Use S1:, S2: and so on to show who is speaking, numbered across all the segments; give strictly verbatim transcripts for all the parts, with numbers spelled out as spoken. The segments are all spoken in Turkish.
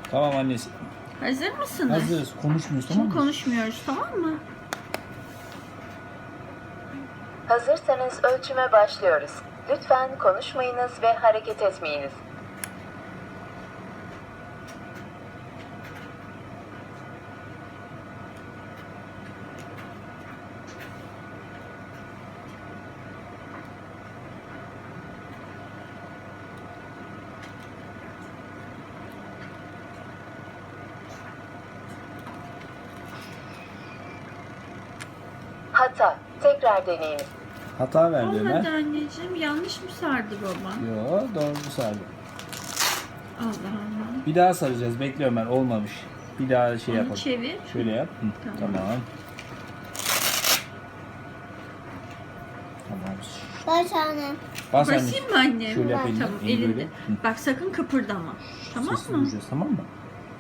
S1: Tamam annesi.
S2: Hazır mısınız?
S1: Hazırız. Konuşmuyoruz tamam
S2: Şimdi
S1: mı?
S2: konuşmuyoruz, tamam mı?
S3: Hazırsanız ölçüme başlıyoruz. Lütfen konuşmayınız ve hareket etmeyiniz. Hata. Tekrar deneyiniz.
S1: Hata verdi
S2: Olmadı
S1: Ömer.
S2: anneciğim. Yanlış mı sardı baba?
S1: Yo doğru sardı.
S2: Allah Allah.
S1: Bir daha saracağız. Bekle Ömer. Olmamış. Bir daha şey
S2: Onu
S1: yapalım.
S2: çevir.
S1: Şöyle yap. Hı,
S2: Tamam.
S1: Tamam. Tamam.
S4: Baş annem.
S1: Bas anne.
S2: Basayım mı annem?
S1: Şöyle yap elini.
S2: Tamam,
S1: Elini
S2: elinde.
S1: böyle. Hı.
S2: Bak sakın kıpırdama. Tamam
S1: Sesini
S2: mı?
S1: duyacağız tamam mı?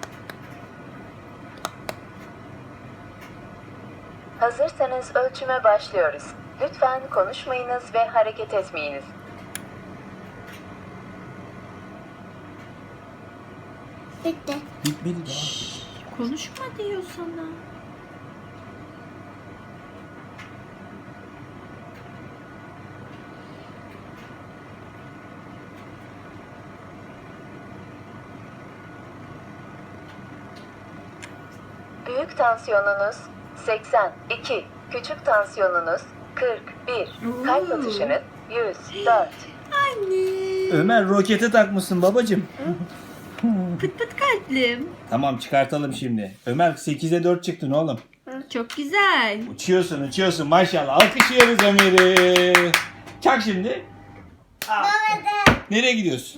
S3: Hazırsanız ölçüme başlıyoruz. Lütfen konuşmayınız ve hareket etmeyiniz.
S4: Bitti.
S1: Bitmedi daha.
S2: Konuşma diyor sana.
S3: Büyük tansiyonunuz seksen iki, küçük tansiyonunuz kırk bir, kalp
S2: Oo.
S3: atışınız yüz dört.
S2: Anne.
S1: Ömer rokete takmışsın babacığım.
S2: Pıt pıt kalplim.
S1: Tamam çıkartalım şimdi. Ömer sekize dört çıktın oğlum.
S2: Çok güzel.
S1: Uçuyorsun uçuyorsun maşallah. Alkışlıyoruz Ömer'i. Çak şimdi. Aa. Nereye gidiyorsun?